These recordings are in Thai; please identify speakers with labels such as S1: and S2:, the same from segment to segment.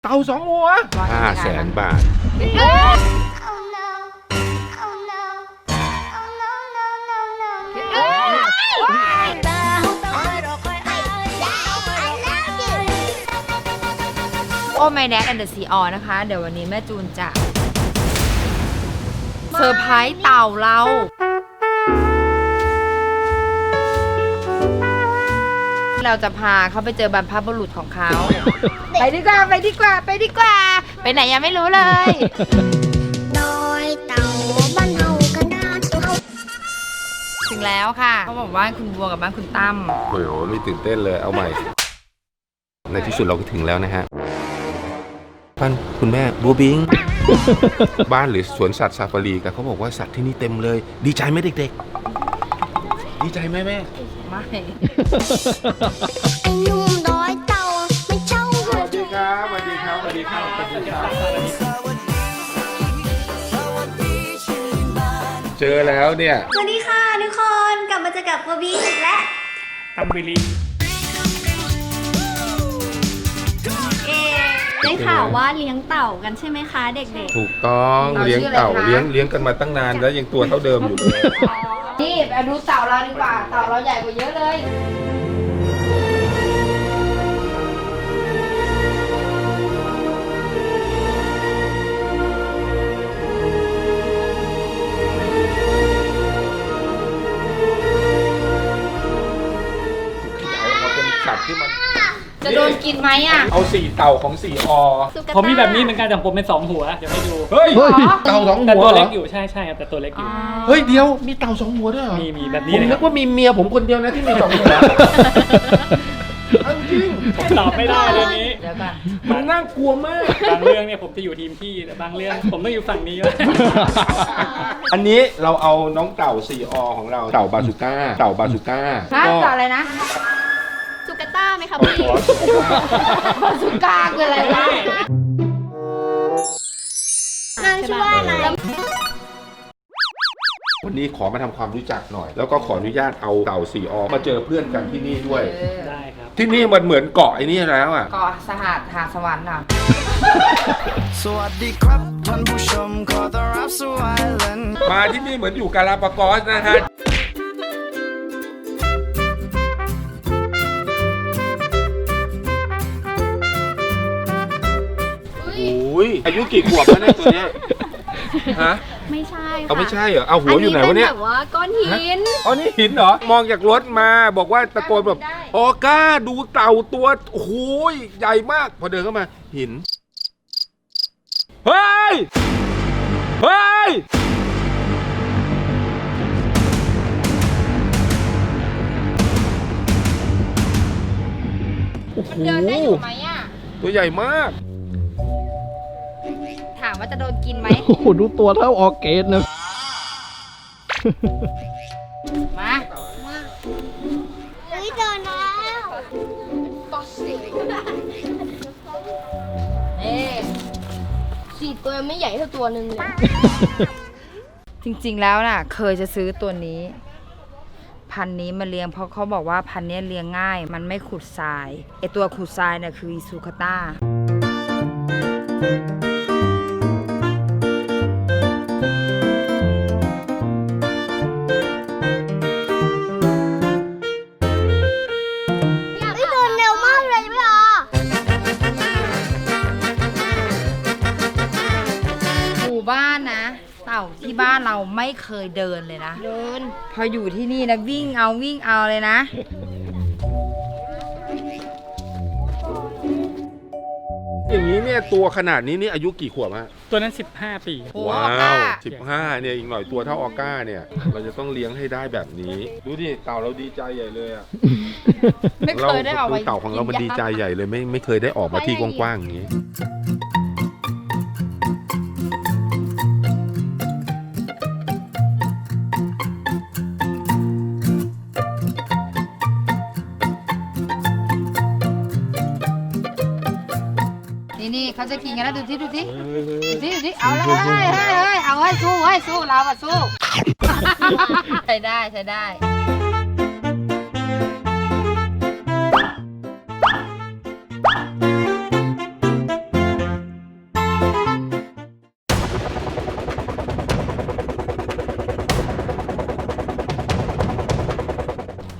S1: เต่า2 หัว500,000 บาท
S2: โอ้ My Dad and the Sea All นะคะเดี๋ยววันนี้แม่จูนจะเซอร์ไพรส์เต่าเราเราจะพาเขาไปเจอบรรพบุรุษของเขาไปดีกว่าไปดีกว่าไปดีกว่าไปไหนยังไม่รู้เลย
S3: ดอยเต่าบ้านเฮากันดาน
S2: ถึงแล้วค่ะเขาบอกว่าคุณบัวกับบ้านคุณตั้ม
S1: โอ้โหไม่ตื่นเต้นเลยเอาใหม่ในที่สุดเราก็ถึงแล้วนะฮะบ้านคุณแม่บัวบิง บ้านหรือสวนสัตว์ซาฟารีกันเขาบอกว่าสัตว์ที่นี่เต็มเลยดีใจไหมเด็กๆดีใจไหมแม่
S2: ไม่
S3: ไอ้หนุ่มดอยเต่าไม่เช่า
S1: สวัสดีครับสวัสดีครับสวัสดีครับสวัสดีครับเจอแล้วเนี่ย
S3: สวัสดีค่ะทุกคนกลับมาเจอกับโบบี้และ
S4: ตัมบิลี
S3: ได้ข่าวว่าเลี้ยงเต่ากันใช่ไหมคะเด็ก
S1: ๆถูกต้องเลี้ยงเต่าเลี้ยงกันมาตั้งนานแล้วยังตัวเท่าเดิมอยู่เลย
S2: นี่ไปดูเต่าเราดีกว่าเต่าเราใหญ่กว่าเยอะเลย
S1: สัตว์ที่มัน
S2: จะโดนกินไหมอ่ะ
S1: เอา4 เต่าของ4 อ
S4: ผมมีแบบนี้เหมือนกันแต่ผมเป็น2 หัวเดี๋ยวให้ดู
S1: เฮ้ยเต่า2 หัว
S4: แต่ตัวเล็กอยู่ใช่ครับแต่ตัวเล็กอยู่
S1: เฮ้ยเดียวมีเต่า2 หัวด้วยเหรอ
S4: มีแบบนี้
S1: ผมนึกว่ามีเมียผมคนเดียวนะที่มี2 หัวจริง
S4: ผมตอบไม่ได้เรื่องนี้
S2: เดี๋ยวก่อน
S1: มันน่ากลัวมาก
S4: บางเรื่องเนี่ยผมจะอยู่ทีมพี่แต่บางเรื่องผมต้องอยู่ฝั่งนี้แล้ว
S1: อันนี้เราเอาน้องเต่า4 อของเราเต่าบาซูก้าเต่าบาซูก้า
S2: เต่าอะไรนะ
S3: สุกาต้าไหมคะพี่
S2: บาซูก้าคืออะไรวะ
S3: นางชื่อว่าอะไร
S1: วันนี้ขอมาทำความรู้จักหน่อยแล้วก็ขออนุญาตเอาเต่า4 อมาเจอเพื่อนกันที่นี่ด้วย
S4: ได้ครับ
S1: ที่นี่มันเหมือนเกาะไอ้นี่แล้วอ่ะ
S2: เกาะสหัสหาสวรรค์อ่ะ
S5: สวัสดีครับท่านผู้ชมขอต้อนรับสู่ไอแลนด์
S1: มาที่นี่เหมือนอยู่กาลาปากอสนะฮะอายุกี่ขวบแล้วเนี่ยตัวเนี้ยฮะ
S3: ไม่ใช่ค่ะ
S1: เอาไม่ใช่เหรอเอาหัวอยู่ไหนวะเนี่ย
S3: แบบว่าก้อนหิน
S1: อ๋อนี่หินเหรอมองจากรถมาบอกว่าตะโกนแบบออก้าดูเต่าตัวโอ้โหใหญ่มากพอเดินเข้ามาหินเฮ้ยเฮ้ย
S2: มันเดินได้อยู่ไหมอ่ะ
S1: ตัวใหญ่มาก
S2: ถามว่าจะโดนกินไหม
S4: โอ้โหดูตัวเท่าออร์เกสนะ
S2: มา
S3: เฮ้ยเดินแล้ว4 ตัวไม่ใหญ่เท่าตัวหนึ่งเลย
S2: จริงๆแล้วน่ะเคยจะซื้อตัวนี้พันนี้มาเลี้ยงเพราะเขาบอกว่าพันนี้เลี้ยงง่ายมันไม่ขุดทรายไอตัวขุดทรายเนี่ยคืออิซูคาต้าบ้านนะเต่าที่บ้านเราไม่เคยเดินเลยนะ
S3: เดิน
S2: พออยู่ที่นี่นะวิ่งเอาเลยนะ
S1: อย่างนี้เนี่ยตัวขนาดนี้นี่อายุกี่ขวบฮะ
S4: ตัวนั้น15 ปี
S1: ว้าว15เนี่ยอีกหน่อยตัวเท่าออก้าเนี่ยเราจะต้องเลี้ยงให้ได้แบบนี้ดูดิเต่าเราดีใจใหญ่เลยอ่ะ
S2: ไม่เคยได้ออกมา
S1: เต่าของเรามันดีใจใหญ่เลยไม่เคยได้ออกมาที่กว้างๆอย่างนี้
S2: นี่เขาจะกินกันแล้วดูสิเอาเลยเอาให้สู้เราอะสู้ใช้ได้
S1: เ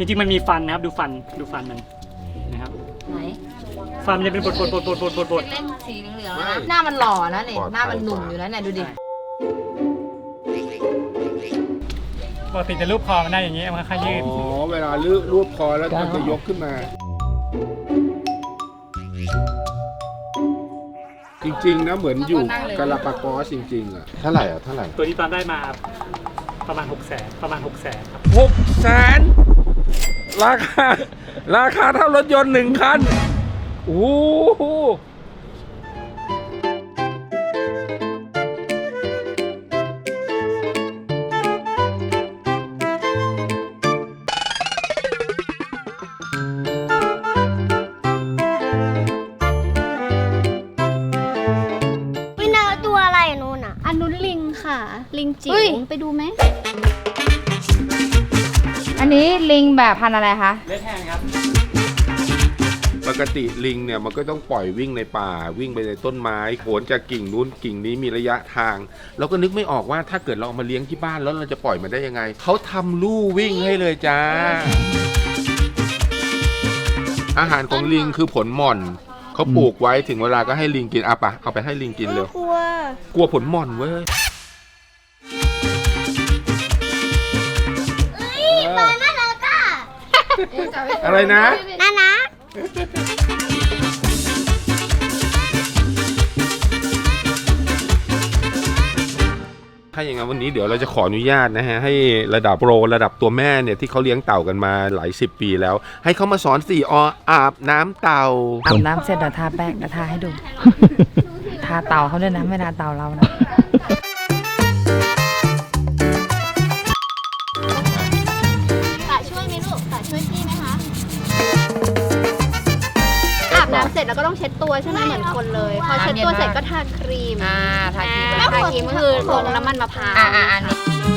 S4: จริงๆมันมีฟันนะครับดูฟันมันนะครับ
S2: ไหน
S4: ฟันมันจะเป็นบด
S2: เล่นสีเหลืองๆนะหน้ามันหล่อนะเนี่ยหน้ามันหนุ่มอยู่นะเนี่ยดูดิ
S4: ปกติจะรูปคอมันได้อย่างนี้มันค่อยๆยืด
S1: อ๋อเวลารูปคอแล้วมันจะยกขึ้นมา จริงๆนะเหมือนอยู่กาลาปากอสจริงๆอ่ะเท่าไหร่
S4: ตัวนี้ตอนได้มาประมาณ 600,000ครับ
S1: 600,000ราคาเท่ารถยนต์1 คันโอ้โห
S3: วินาตัวอะไรอ่ะนู่นอ่ะ
S6: อันนู้นลิงค่ะ ลิงจิ๋
S2: เฮ้
S6: วย ไปดูไหม
S2: อันนี้ลิงแบบพันธุ์อะไรคะ
S4: เลดแฮนครับ
S1: ปกติลิงเนี่ยมันก็ต้องปล่อยวิ่งในป่าวิ่งไปในต้นไม้โขนจากกิ่งนู้นกิ่งนี้มีระยะทางเราก็นึกไม่ออกว่าถ้าเกิดเราเอามาเลี้ยงที่บ้านแล้วเราจะปล่อยมันได้ยังไงเขาทำลู่วิ่งให้เลยจ้า อาหารของลิงคือผลหม่อนเขาปลูกไว้ถึงเวลาก็ให้ลิงกินอ่ะปะเอาไปให้ลิงกินเร็ว
S3: กลัว
S1: กลัวผลหม่อนเว้ย
S3: ตอนนั้นเราก็
S1: อะไรนะ
S3: น่ารัก
S1: ถ้าอย่างนั้นวันนี้เดี๋ยวเราจะขออนุญาตนะฮะให้ระดับโปรระดับตัวแม่เนี่ยที่เขาเลี้ยงเต่ากันมาหลาย10 ปีแล้ว ให้เขามาสอน4 ออาบน้ำเต่า
S2: อาบน้ำเสร็จเดี๋ยวทาแป้งเดี๋ยวทาให้ดู ทาเต่าเขาด้วยนะไม่ทาเต่าเรานะ
S6: ตาช่วยไหมลูกตาช่วยพี่ไหมคะ อาบน้ำเสร็จแล้วก็ต้องเช็ดตัวใช่ไหมเหมือนคนเลย พอเช็ดตัวเสร็จก็ทาครีม
S2: ทาครีม
S6: ทาครีมก็คือลงน้ำมันมะพร้าว
S2: อันนี้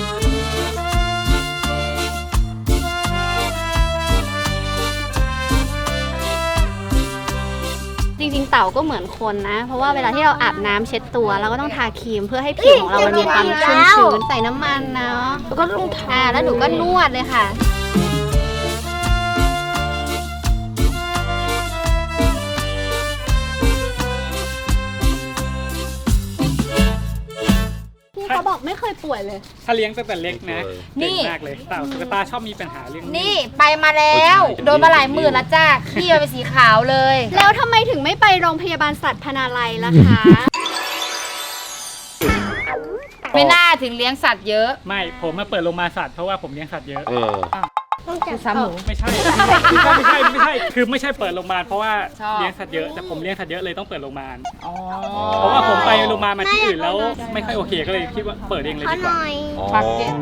S6: จริงๆ เต่าก็เหมือนคนนะ เพราะว่าเวลาที่เราอาบน้ำเช็ดตัวเราก็ต้องทาครีมเพื่อให้ผิวของเรามันมีความชุ่มชื้นใส่น้ำมันเนาะแล้วก็ลงทาแล้วหนูก็นวดเลยค่ะ พี่เขาบอกไม่เคยป่วยเลย
S4: ถ้าเลี้ยงตั้งแต่เล็กนะ
S2: นี่
S4: เก่งมากเลยเต่าตุ๊กตาชอบมีปัญหาเรื่อง
S2: นี่ไปมาแล้ว โดนมาหลายหมื่นแล้วจ้าขี้มันเป็นสีขาวเลย
S6: แล้วทำไมถึงไม่ไปโรงพยาบาลสัตว์พนาลัยล่ะคะ
S2: ไม่น่าถึงเลี้ยงสัตว์เยอะ
S4: ไม่ผมมาเปิดโรงพยาบาลสัตว์เพราะว่าผมเลี้ยงสัตว์เยอะ
S2: คือซ้ำหมู
S4: ไม่ใช่ คือไม่ใช่เปิดโรงพยาบาลเพราะว่า
S2: ชอบ
S4: เลี้ยงสัตว์เยอะแต่ผมเลี้ยงสัตว์เยอะเลยต้องเปิดโรงพยาบาล
S2: อ๋อ
S4: เพราะว่าผมไปโรงพยาบาลมาที่อื่นแล้วไม่ค่อยโอเคก็เลยคิดว่าเปิดเองเลย
S3: ขอ
S4: ดี
S3: ห
S4: กว่า
S3: น่อย
S2: ปักเก็ต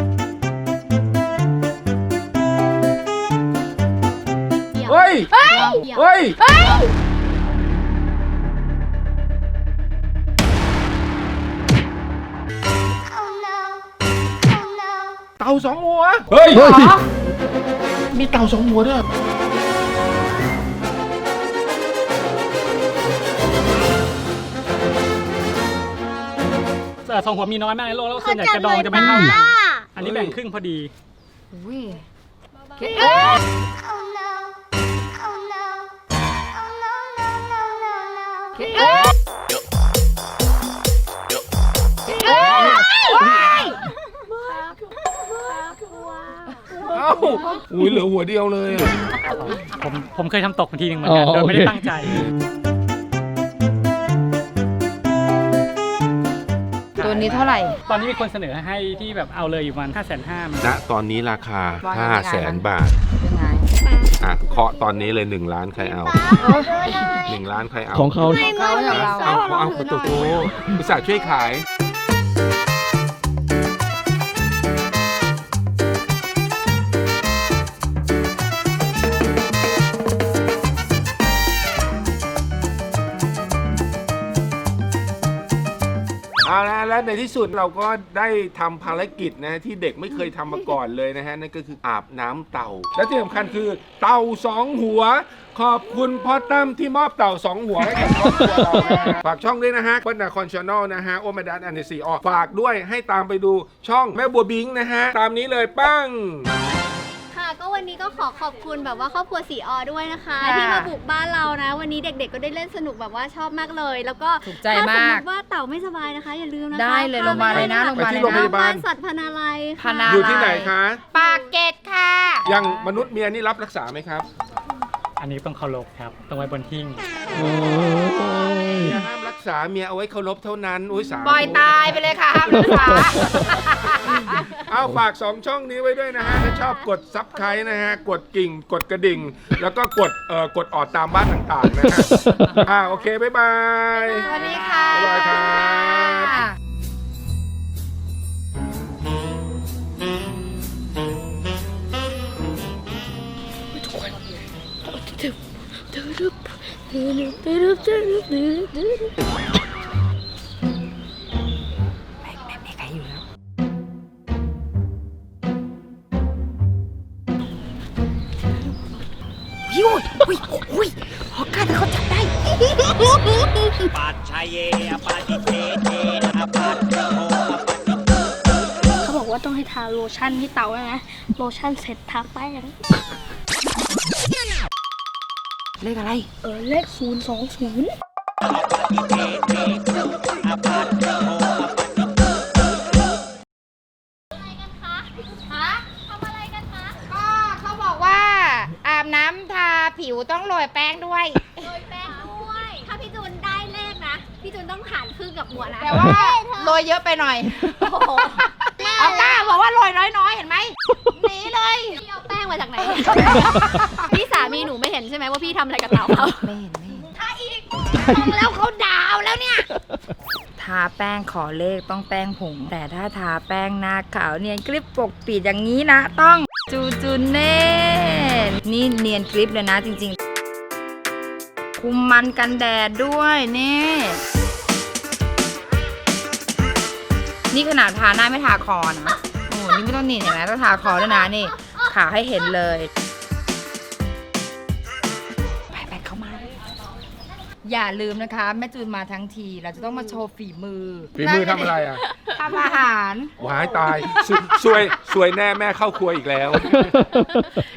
S1: เฮ้ย เฮ้ย เต่า2 หัว เฮ้ย มีเต่า2 หัวด้วย
S4: สองหัวมีน้อยมากในโลกแล้วส่วนใหญ่กระดองจะไม่เท่ากันอันนี้แบ่งครึ่งพอดี
S2: อุ้ย
S1: เอ้าอุ้ยเหลือหัวเดียวเลยอะ
S4: ผมเคยทำตกทีนึงเหมือนกันโดยไม่ได้ตั้งใจ
S2: ตัวนี้เท่าไหร่
S4: ตอนนี้มีคนเสนอให้ที่แบบเอาเลยอยู่ประมาณ550,000
S1: ณตอนนี้ราคา 500,000 บาท
S2: เป็นไง
S1: อ่ะเคาะตอนนี้เลย1 ล้านใครเอา 1 ล้านใครเอา
S7: ของเขา
S2: เขาอย่างเรา
S1: เอาประตูอุตส่าห์ช่วยขาย เอาละแล้วในที่สุดเราก็ได้ทำภารกิจนะที่เด็กไม่เคยทำมาก่อนเลยนะฮะนั่นก็คืออาบน้ำเต่า และที่สำคัญคือเต่า2 หัว ขอบคุณพ่อตั้มที่มอบเต่า2 หัวให้กับครอบครัวเรานะฮะฝากช่องด้วยนะฮะเปิ้ลนาคอนชาแนลนะฮะโอเมดัสอันเดซีออฝากด้วยให้ตามไปดูช่องแม่บัวบิงนะฮะตามนี้เลยปั้ง
S6: ค่ะก็วันวันนี้ก็ขอขอบคุณแบบว่าครอบครัวสีออด้วยนะคะ
S2: ค่ะ
S6: ที่มาบุกบ้านเรานะ วันนี้เด็กๆก็ได้เล่นสนุกแบบว่าชอบมากเลย แล้วก็
S2: ถูกใจ
S6: ถ้าสม
S2: มาม ก
S6: ติว่าเต่าไม่สบายนะคะ อย่าลืมนะคะ
S2: ได้เลยโรงพยาบาลเลยนะ
S6: พ
S2: โรงพยาบาล
S1: ไปที่
S2: เลย
S1: โรงพ
S2: นะ
S1: ยาบาล
S6: สัตว์พนาลัย
S2: พนา
S1: อยู่ที่ไหนคะ
S2: ปากเกร็ดค่ะ
S1: ยังมนุษย์เมียนี่รับรักษาไหมครับ
S4: อันนี้ต้องเคารพครับต้องไว้บนหิ้ง
S1: อย่าห้ามรักษาเมียเอาไว้เคารพเท่านั้นอุ้ยสาธุ
S2: ปล่อยตายไปเลยค่ะห้ามรักษา
S1: เอาฝาก 2 ช่องนี้ไว้ด้วยนะฮะ ถ้าชอบกดซับไครต์นะฮะ กดกิ่ง กดกระดิ่ง แล้วก็กดออดตามบ้านต่างๆนะฮะ โอเค บ๊ายบาย
S2: สวัสดีค่ะ
S1: บ๊ายบายครับ
S2: ไม่มีใครอยู่แล้วอุ้ยฮอกการ์เขาจับได้
S7: เขาบอกว่าต้องให้ทาโลชั่นที่เตาใช่ไหมโลชั่นเสร็จทาแป้ง
S2: เลขอะไร
S7: เลข020
S2: ก็เขาบอกว่าอาบน้ำทาผิวต้องโรยแป้งด้วย
S6: โรยแป้งด้วย ถ้าพี่จูนได้เลขนะ พี่จูนต้องหารครึ่งกับหัวนะ
S2: แต่ว่าโรยเยอะไปหน่อย
S6: โอ้โห
S2: ออก้าบอกว่าโรยน้อยๆ เห็นไหมหนีเลย
S6: พี่เอาแป้งมาจากไหน พี่สามีหนูไม่เห็นใช่ไหมว่าพี่ทำอะไรกับเต่าเขา
S2: ไม่เห็นถ้าอีกแล้วเขาดาวแล้วเนี่ย ทาแป้งขอเลขต้องแป้งผง แต่ถ้าทาแป้งหน้าขาวเนียนกริบปกปิดอย่างนี้นะ ต้องจูเน่นี่เนียนกริบเลยนะจริงๆ คุมมันกันแดดด้วยนี่ขนาดทาหน้าไม่ทาคอนะ โอ้นี่ไม่ต้องนี่เห็นไหมต้องทาคอด้วยนะนี่ขาให้เห็นเลย ไปเข้ามา อย่าลืมนะคะ แม่จูนมาทั้งที เราจะต้องมาโชว์ฝีมือ
S1: ฝีมือทำอะไรอ่ะ
S2: ทำอาหาร
S1: วายตาย สวยแน่แม่เข้าครัวอีกแล้ว